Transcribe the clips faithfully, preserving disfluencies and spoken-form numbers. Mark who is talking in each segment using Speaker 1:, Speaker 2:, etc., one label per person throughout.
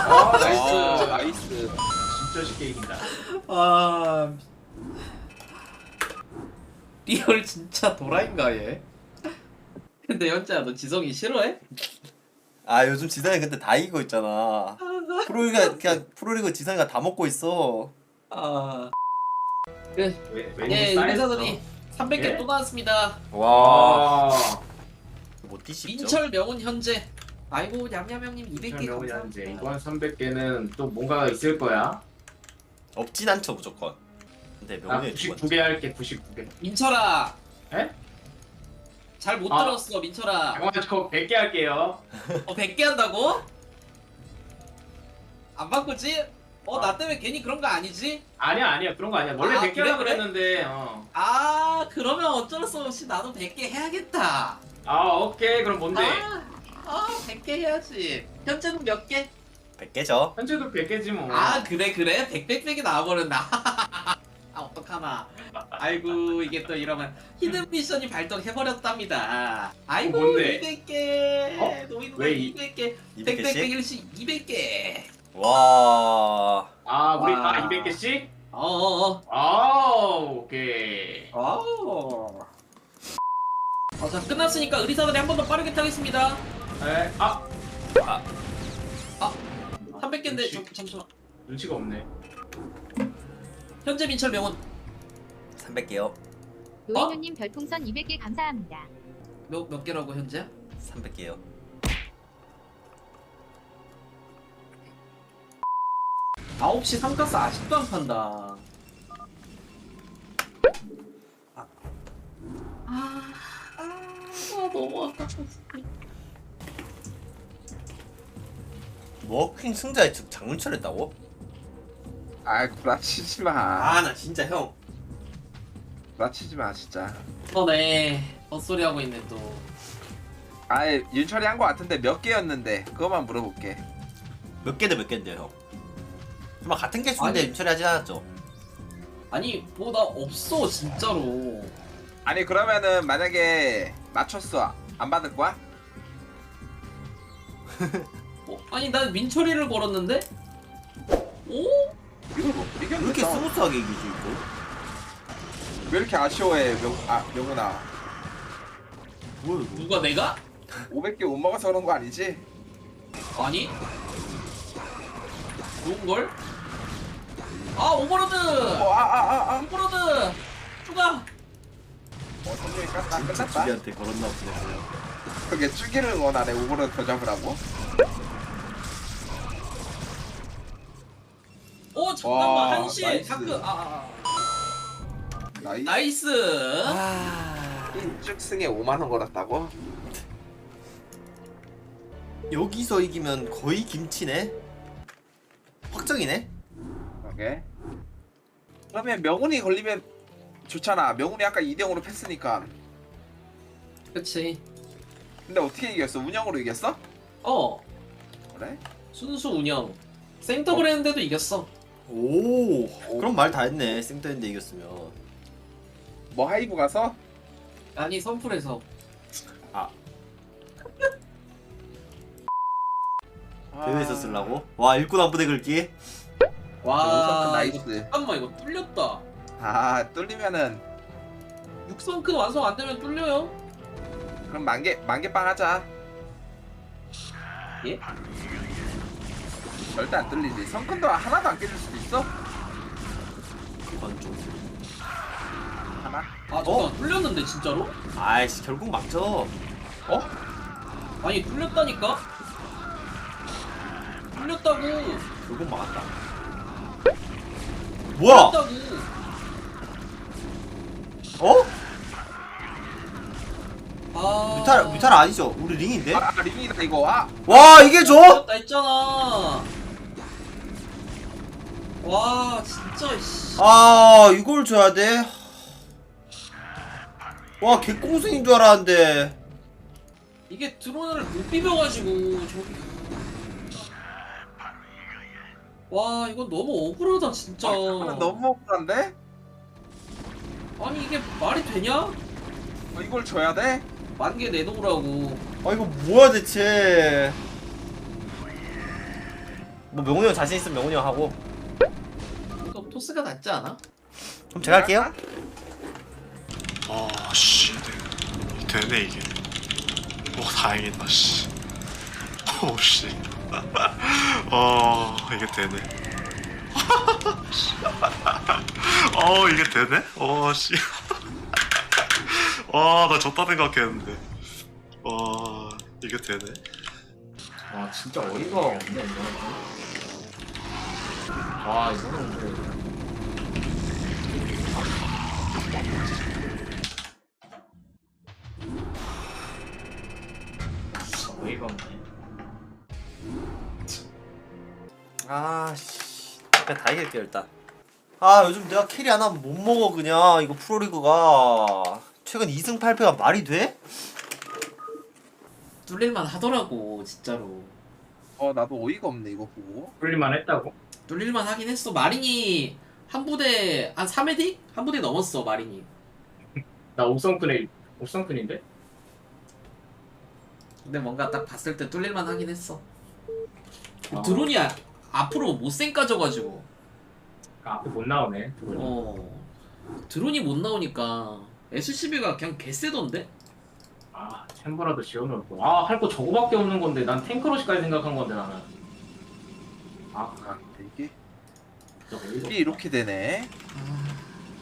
Speaker 1: 아 나이스
Speaker 2: 아.
Speaker 1: 나이스. 진짜 쉽게 이긴다.
Speaker 3: 아 리얼 진짜 도라인가 얘. 근데 현재야 너 지성이 싫어해?
Speaker 2: 아 요즘 지성이 근데 다 이기고 있잖아. 프로리가 그냥 프로리그 지성이가 다 먹고 있어.
Speaker 3: 아 그래
Speaker 1: 왜,
Speaker 3: 예 의사들이 삼백 개
Speaker 1: 예?
Speaker 3: 또 나왔습니다.
Speaker 2: 와.
Speaker 1: 와.
Speaker 2: 못 뒤집죠?
Speaker 3: 민철 명운 현재. 아이고 냠냠형님 이백 개
Speaker 1: 이제
Speaker 3: 감사합니다.
Speaker 1: 이번 삼백 개는 또 뭔가가 있을 거야.
Speaker 2: 없진 않죠 무조건. 근데
Speaker 1: 나
Speaker 2: 명훈이
Speaker 1: 구십구 개 할게. 구십구 개.
Speaker 3: 민철아
Speaker 1: 에?
Speaker 3: 잘 못
Speaker 1: 아.
Speaker 3: 들었어 민철아.
Speaker 1: 잠깐만 저 백 개 할게요.
Speaker 3: 어 백 개 한다고? 안 바꾸지? 어 나
Speaker 1: 아.
Speaker 3: 때문에 괜히 그런 거 아니지?
Speaker 1: 아니야 아니야 그런 거 아니야. 원래
Speaker 3: 아,
Speaker 1: 백 개
Speaker 3: 그래,
Speaker 1: 하려고
Speaker 3: 그래?
Speaker 1: 그랬는데 어.
Speaker 3: 아 그러면 어쩔 수 없이 나도 백 개 해야겠다.
Speaker 1: 아 오케이 그럼 뭔데?
Speaker 3: 아, 아 백 개 해야지. 현재는 몇 개?
Speaker 2: 백 개죠.
Speaker 1: 현재도 백 개지 뭐.
Speaker 3: 아 그래 그래 백백백이 나와버렸나. 아 어떡하나. 아이고 이게 또 이러면 히든 미션이 발동해버렸답니다. 아이고
Speaker 1: 어, 뭔데?
Speaker 3: 이백 개.
Speaker 1: 어?
Speaker 3: 노인은
Speaker 1: 왜 이-
Speaker 3: 이백 개.
Speaker 2: 이백 개씩?
Speaker 3: 백백백일씩 이백 개.
Speaker 2: 와.
Speaker 1: 아 우리
Speaker 3: 와.
Speaker 1: 다 이백 개씩?
Speaker 3: 어어어.
Speaker 1: 아 오케이.
Speaker 3: 아우. 어, 자 끝났으니까 의리사들이 한 번 더 빠르게 타겠습니다.
Speaker 1: 에? 아
Speaker 2: 아,
Speaker 3: 삼백 개인데
Speaker 1: 눈치.
Speaker 3: 잠시만.
Speaker 1: 눈치가 없네.
Speaker 3: 현재 민철 명운
Speaker 2: 삼백 개요.
Speaker 4: 노인우님 별풍선 이백 개 감사합니다.
Speaker 3: 몇, 몇 개라고 현재?
Speaker 2: 삼백 개요.
Speaker 3: 아홉 시 삼가스 아직도 안 판다. 아, 아, 아 너무 아깝다.
Speaker 2: 워킹 승자의 즉 장문철 했다고?
Speaker 5: 아 구라치지 마.
Speaker 2: 아 나 진짜 형.
Speaker 5: 구라치지 마 진짜.
Speaker 3: 어네 헛소리 하고 있네 또.
Speaker 5: 아예 윤철이 한 거 같은데 몇 개였는데 그거만 물어볼게.
Speaker 2: 몇 개대 몇 개인데요 형? 정말 같은 개수인데
Speaker 3: 아니.
Speaker 2: 윤철이 하진 않았죠?
Speaker 3: 아니 뭐 나 없어 진짜로.
Speaker 5: 아니 그러면은 만약에 맞췄어 안 받을 거야?
Speaker 3: 어, 아니 난 민철이를 걸었는데? 오?
Speaker 5: 이걸 뭐
Speaker 2: 왜
Speaker 5: 이겼는데
Speaker 2: 이렇게
Speaker 5: 싸워.
Speaker 2: 스무스하게 이기지 이거?
Speaker 5: 왜 이렇게 아쉬워해 명, 아 명훈아.
Speaker 2: 뭐야 이거?
Speaker 3: 누가 내가?
Speaker 5: 오백 개 못 먹어서 그런 거 아니지?
Speaker 3: 아니? 좋은걸? 아 오버로드!
Speaker 5: 어아아아 아.
Speaker 3: 오버로드! 추가!
Speaker 5: 어 성룡이 깠다
Speaker 2: 진짜
Speaker 5: 끝났다.
Speaker 2: 주기한테 걸었나 보네.
Speaker 5: 그게 쭈기를 원하네 오버로 더 잡으라고.
Speaker 3: 오 잠깐만
Speaker 5: 와,
Speaker 3: 한시
Speaker 5: 나이스.
Speaker 3: 다크 아, 아, 아.
Speaker 5: 나이
Speaker 3: 나이스
Speaker 2: 아
Speaker 5: 인증승에 오만 원 걸었다고?
Speaker 2: 여기서 이기면 거의 김치네. 확정이네.
Speaker 5: 오케이. 그러면 명훈이 걸리면 좋잖아. 명훈이 아까 이 대 영으로 패스니까.
Speaker 3: 그치
Speaker 5: 근데 어떻게 이겼어? 운영으로 이겼어?
Speaker 3: 어
Speaker 5: 그래?
Speaker 3: 순수 운영 생더블 했는데도 이겼어.
Speaker 2: 오, 그럼 말 다 했네. 생터인데 이겼으면.
Speaker 5: 뭐 하이브 가서?
Speaker 3: 아니 선풀에서
Speaker 2: 아,
Speaker 5: 아.
Speaker 2: 대회에서 쓰려고? 와, 일꾼 한 부대 긁기?
Speaker 3: 와
Speaker 5: 나이스.
Speaker 3: 이거, 잠깐만 이거 뚫렸다.
Speaker 5: 아 뚫리면은
Speaker 3: 육 성큰 완성 안 되면 뚫려요.
Speaker 5: 그럼 만개 만개빵 하자.
Speaker 3: 예?
Speaker 5: 절대 안 뚫리지. 성큰도 하나도 안 깨질 수도 있어.
Speaker 2: 이건 좀.
Speaker 5: 하나.
Speaker 3: 아 잠깐 뚫렸는데 진짜로?
Speaker 2: 아이씨, 결국 막죠.
Speaker 5: 어?
Speaker 3: 아니 뚫렸다니까? 뚫렸다고
Speaker 2: 결국 막았다. 뭐야?
Speaker 3: 뚫렸다고
Speaker 2: 어?
Speaker 3: 아
Speaker 2: 뮤탈, 뮤탈 아니죠? 우리 링인데?
Speaker 5: 아, 아 링이다 이거. 아.
Speaker 2: 와, 이게 줘?
Speaker 3: 뚫렸다 했잖아. 와 진짜 씨.
Speaker 2: 아, 이걸 줘야 돼? 와, 개꽁승인 줄 알았는데.
Speaker 3: 이게 드론을 못 비벼가지고 저기. 와 이건 너무 억울하다 진짜.
Speaker 5: 아, 너무 억울한데?
Speaker 3: 아니 이게 말이 되냐?
Speaker 5: 어, 이걸 줘야 돼?
Speaker 3: 만개 내놓으라고.
Speaker 2: 아, 이거 뭐야, 대체. 뭐 명훈이 형 자신 있으면 명훈이 형 하고.
Speaker 3: 이거 토스가 낫지 않아?
Speaker 2: 그럼 제가 할게요.
Speaker 6: 아, 씨. 되네, 이게. 오, 다행이다, 씨. 오, 씨. 어, 이게 되네. 어, 이게 되네? 어, 씨. 와, 나 졌다 생각했는데. 와, 이게 되네.
Speaker 1: 아 진짜 어이가 없네 이거. 와 이거는 그래. 진짜 어이가 없네.
Speaker 2: 아씨, 그냥 다 이길게요 일단. 아 요즘 내가 캐리 안 하면 못 먹어 그냥. 이거 프로리그가 최근 이 승 팔 패가 말이 돼?
Speaker 3: 뚫릴만 하더라고 진짜로.
Speaker 5: 어 나도 어이가 없네 이거 보고.
Speaker 1: 풀릴만 했다고?
Speaker 3: 뚫릴만 하긴 했어. 마린이 한 부대 한 삼 회디? 한 부대 넘었어 마린이.
Speaker 1: 나 옥성큰에 옥성큰인데?
Speaker 3: 근데 뭔가 딱 봤을 때 뚫릴만 하긴 했어.
Speaker 1: 아.
Speaker 3: 드론이 아, 앞으로 못생 까져가지고.
Speaker 1: 아, 앞에 못 나오네. 드론이.
Speaker 3: 어 드론이 못 나오니까 에스씨비가 그냥 개쎄던데?
Speaker 1: 아 챔버라도 지어놓을 거. 아 할 거 저거밖에 없는 건데 난 탱크러시까지 생각한 건데 나는. 아
Speaker 5: 아 이게
Speaker 1: 진짜 어이가
Speaker 5: 이게 이렇게 되네.
Speaker 3: 아,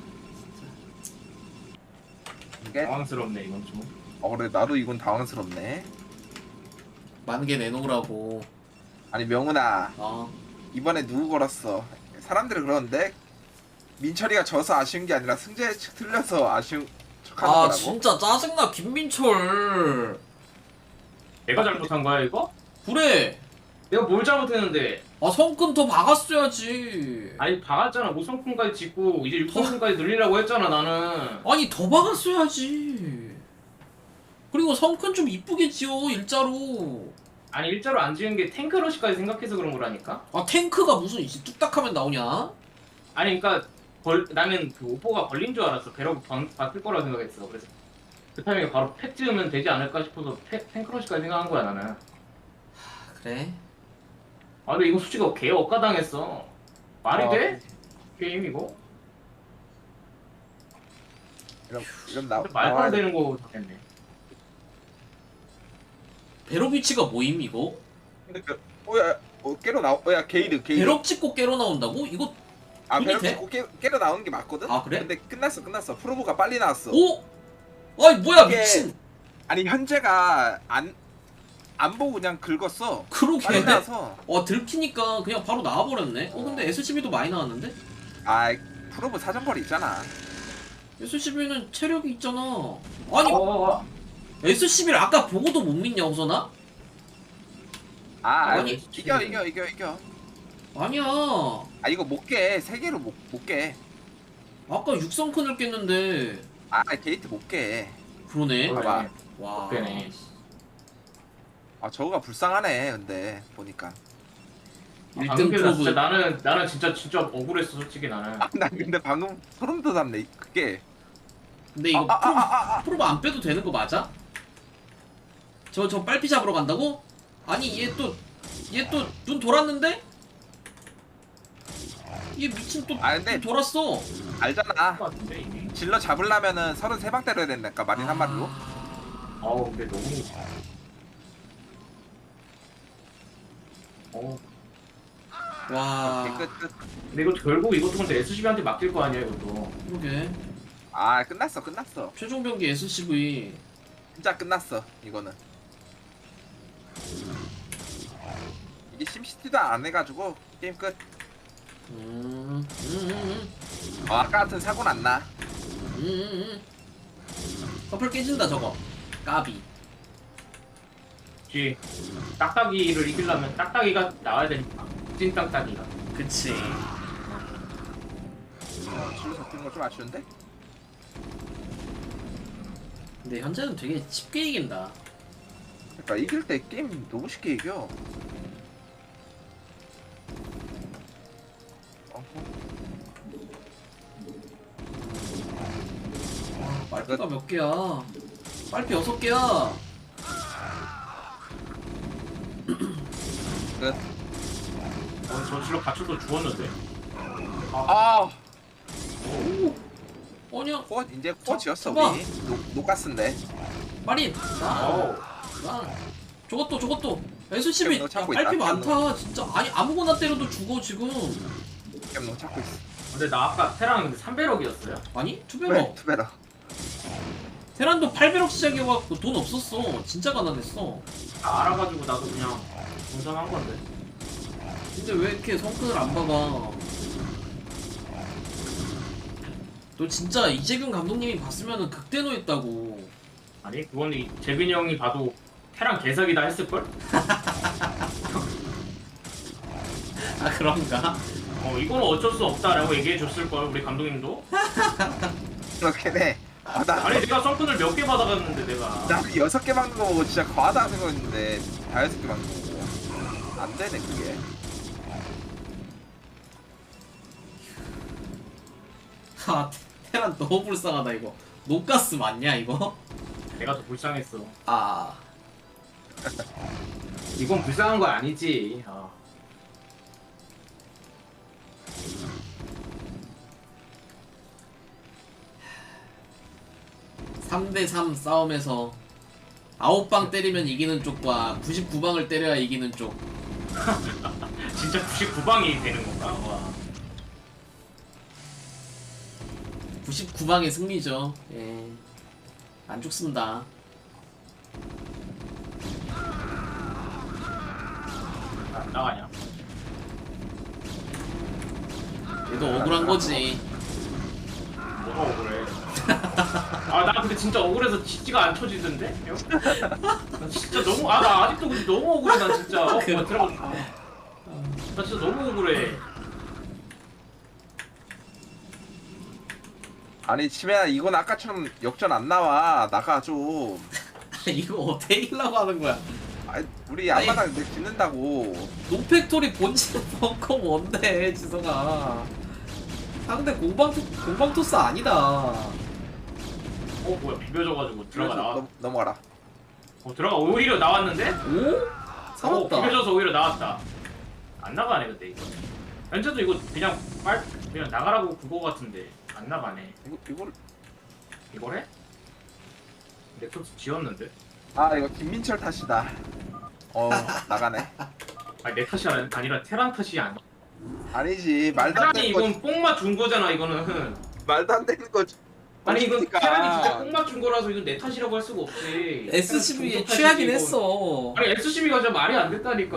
Speaker 5: 이게
Speaker 1: 당황스럽네 이건 좀.
Speaker 5: 어 그래 나도 이건 당황스럽네.
Speaker 3: 많은 게 내놓으라고.
Speaker 5: 아니 명훈아
Speaker 3: 어
Speaker 5: 이번에 누구 걸었어? 사람들이 그러는데 민철이가 져서 아쉬운 게 아니라 승재 측 틀려서 아쉬운 척하는
Speaker 3: 아
Speaker 5: 거라고?
Speaker 3: 진짜 짜증나 김민철.
Speaker 1: 내가 잘못한 거야 이거?
Speaker 3: 그래.
Speaker 1: 내가 뭘 잘못했는데?
Speaker 3: 아 성근 더 박았어야지.
Speaker 1: 아니 박았잖아. 무성품까지 짓고 이제 육성품까지 늘리라고 했잖아 나는.
Speaker 3: 아니 더 박았어야지. 그리고 성큰 좀 이쁘게 지어 일자로.
Speaker 1: 아니 일자로 안 지은 게 탱크러시까지 생각해서 그런 거라니까?
Speaker 3: 아 탱크가 무슨 이제 뚝딱하면 나오냐?
Speaker 1: 아니 그니까 걸, 나는 그 오퍼가 걸린 줄 알았어. 배럭 바뀔 거라고 생각했어. 그래서 그 타이밍에 바로 팩 지으면 되지 않을까 싶어서 팩, 탱크러시까지 생각한 거야 나는.
Speaker 3: 그래?
Speaker 1: 아 근데 이거 솔직히 개 억까당했어. 말이
Speaker 5: 아,
Speaker 1: 돼? 게임 이거?
Speaker 5: 이런 이런 나
Speaker 1: 근데 말도
Speaker 5: 나와야
Speaker 1: 안
Speaker 5: 돼.
Speaker 1: 되는 거 당했네.
Speaker 3: 배럭 위치가 뭐임 이거?
Speaker 5: 그러니까 어야 어 깨로 나오 어야 게이드 게이드.
Speaker 3: 배럭 찍고 깨러 나온다고? 이거
Speaker 5: 아
Speaker 3: 손이
Speaker 5: 배럭
Speaker 3: 돼?
Speaker 5: 찍고 깨 깨로 나오는 게 맞거든.
Speaker 3: 아, 그래?
Speaker 5: 근데 끝났어 끝났어. 프로브가 빨리 나왔어.
Speaker 3: 오? 아이 뭐야
Speaker 5: 이게-
Speaker 3: 미친.
Speaker 5: 아니 현재가 안 안 보고 그냥 긁었어.
Speaker 3: 그러게.
Speaker 5: 빨리 나와서.
Speaker 3: 어 들키니까 그냥 바로 나와버렸네. 어 근데 에스씨비도 많이 나왔는데?
Speaker 5: 아 프로브 사정거리 있잖아.
Speaker 3: 에스씨비는 체력이 있잖아. 아니
Speaker 1: 어, 어, 어.
Speaker 3: 에스씨비를 아까 보고도 못 믿냐 호선아?
Speaker 5: 아
Speaker 3: 아니,
Speaker 5: 아니 이겨 이겨 이겨 이겨.
Speaker 3: 아니야.
Speaker 5: 아 이거 못 깨. 세 개로 못 못 깨.
Speaker 3: 아까 육성큰을 깼는데.
Speaker 5: 아 게이트 못 깨.
Speaker 3: 그러네.
Speaker 1: 그래.
Speaker 5: 봐봐.
Speaker 3: 와.
Speaker 1: 그러네.
Speaker 5: 아 저거가 불쌍하네. 근데 보니까.
Speaker 1: 아,
Speaker 3: 일 등
Speaker 1: 방금 나 진짜
Speaker 3: 프로브.
Speaker 1: 나는 나는 진짜 진짜 억울했어 솔직히 나는.
Speaker 5: 아 나 근데 방금 소름 돋았네. 그게.
Speaker 3: 근데 이거
Speaker 5: 아, 아,
Speaker 3: 프로브,
Speaker 5: 아, 아, 아.
Speaker 3: 프로브 안 빼도 되는 거 맞아? 저 저 빨피 잡으러 간다고? 아니 얘 또 얘 또 눈 돌았는데? 얘 미친 또
Speaker 5: 아, 근데-
Speaker 3: 눈 돌았어.
Speaker 5: 알잖아.
Speaker 1: 것 같은데 이미.
Speaker 5: 질러 잡으려면은 서른세 방 때려야 된다니까 마린 한 마리로.
Speaker 1: 아우 근데 너무. 어.
Speaker 3: 와.
Speaker 5: 오케이, 끝 끝.
Speaker 1: 근데 이거 결국 이것도 근데 에스씨비한테 맡길 거 아니야 이것도.
Speaker 3: 그러게.
Speaker 5: 아 끝났어 끝났어.
Speaker 3: 최종 병기 에스씨비.
Speaker 5: 진짜 끝났어 이거는. 이게 심시티도 안 해가지고 게임 끝.
Speaker 3: 음. 음. 음.
Speaker 5: 어, 아까 같은 사고는 안 나.
Speaker 3: 음. 음. 음. 커플 깨진다 저거. 까비.
Speaker 1: 쥐 딱딱이를 이기려면 딱딱이가 나와야 되니까. 찐 딱딱이가.
Speaker 3: 그치.
Speaker 5: 어, 질러 잡히는 거 좀 아쉬운데?
Speaker 3: 근데 현재는 되게 쉽게 이긴다.
Speaker 5: 그러니까 이길 때 게임 너무 쉽게 이겨. 어허.
Speaker 3: 빨피가 몇 개야? 빨피 여섯 개야.
Speaker 5: 끝.
Speaker 1: 어, 저 실로 갇혀서 죽었는데.
Speaker 5: 아
Speaker 3: 아니야
Speaker 5: 코어 이제 코어 지었어
Speaker 3: 봐봐.
Speaker 5: 우리 노, 노가스인데
Speaker 3: 마린 나
Speaker 1: 어우.
Speaker 3: 나 저것도 저것도 에스씨비
Speaker 5: 너
Speaker 3: 야
Speaker 5: 찾고
Speaker 3: 팔피
Speaker 5: 있다.
Speaker 3: 많다 진짜 아니 아무거나 때려도 죽어 지금
Speaker 5: 겜농 찾고 있어.
Speaker 1: 근데 나 아까 테랑 근데 삼백억이었어요.
Speaker 3: 아니
Speaker 5: 왜
Speaker 3: 투베러
Speaker 5: 투베라?
Speaker 3: 테란도 팔백억 시작해갖고 돈 없었어 진짜 가난했어
Speaker 1: 다 알아가지고 나도 그냥 동전한 건데.
Speaker 3: 근데 왜 이렇게 성큰을 안 봐봐 너 진짜 이재균 감독님이 봤으면은 극대노했다고
Speaker 1: 아니 그건 이 재빈이 형이 봐도 테랑 개사기다 했을걸?
Speaker 3: 아 그런가?
Speaker 1: 어 이거는 어쩔 수 없다라고 얘기해 줬을걸 우리 감독님도.
Speaker 5: 그렇긴 해. 아, 나,
Speaker 1: 아니 내가 썬큰을 몇 개 받아갔는데 내가.
Speaker 5: 나 여섯 개 막는 거 보고 진짜 과하다 생각했는데 다 여섯 개 막는 거고 안 되네 그게.
Speaker 3: 아 테란 너무 불쌍하다 이거 녹가스 맞냐 이거?
Speaker 1: 내가 더 불쌍했어.
Speaker 3: 아
Speaker 1: 이건 불쌍한 거 아니지. 아.
Speaker 3: 삼 대 삼 싸움에서 아홉 방 때리면 이기는 쪽과 구십구 방을 때려야 이기는 쪽
Speaker 1: 진짜 구십구 방이 되는 건가? 와.
Speaker 3: 구십구 방의 승리죠 예. 안 죽습니다
Speaker 1: 나, 나가냐?
Speaker 3: 얘도 억울한 거지
Speaker 1: 뭐가 억울해? 아 나 근데 진짜 억울해서 지지가 안 쳐지던데? 형? 나 진짜 너무 아 나 아직도 근데 너무 억울해 난 진짜. 어,
Speaker 3: 그래.
Speaker 1: 뭐 들어가. 나 진짜 너무 억울해.
Speaker 5: 아니 치매야 이건 아까처럼 역전 안 나와 나가 좀.
Speaker 3: 이거 어떻게 이기려고 하는 거야
Speaker 5: 아니 우리
Speaker 3: 아니.
Speaker 5: 앞마당 내 짓는다고.
Speaker 3: 노팩토리 본진 벙커 뭔데 지성아 상대 공방 공방 토스 아니다
Speaker 1: 어 뭐야 비벼져가지고 들어가 나와.
Speaker 5: 넘, 넘어가라.
Speaker 1: 어 들어가 오히려 나왔는데?
Speaker 3: 오?
Speaker 1: 어
Speaker 3: 살았다
Speaker 1: 비벼져서 오히려 나왔다. 안 나가네 근데 이거. 현재도 이거 그냥 빨 그냥 나가라고 그거 같은데 안 나가네.
Speaker 5: 이거 이걸
Speaker 1: 이걸 해? 넥서스 지었는데?
Speaker 5: 아 이거 김민철 탓이다. 어 나가네.
Speaker 1: 아니 내 탓이 아니- 아니라 테란 탓이 아니야.
Speaker 5: 아니지 말도 안
Speaker 1: 테란이
Speaker 5: 되는 거
Speaker 1: 이건 뽕 맞춘 거잖아 이거는.
Speaker 5: 말도 안 되는 거.
Speaker 1: 아니 이건
Speaker 5: 그러니까.
Speaker 1: 테란이 진짜 뽕 맞춘 거라서 이건 내 탓이라고 할 수가 없지.
Speaker 3: 에스씨비에
Speaker 1: 테란
Speaker 3: 취하긴
Speaker 1: 탓이지, 이거.
Speaker 3: 했어
Speaker 1: 아니 에스씨비가 진짜 말이 안 됐다니까.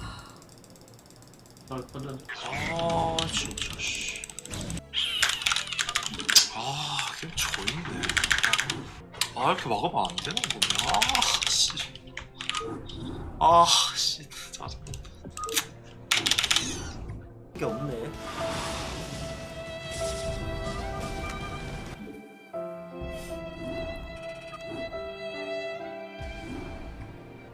Speaker 1: 어, 던져.
Speaker 6: 아 진짜 씨. 아 게임 조인데. 아 이렇게 막으면 안 되는 거냐? 아 씨. 아 씨. 짜증.
Speaker 2: 게 없네.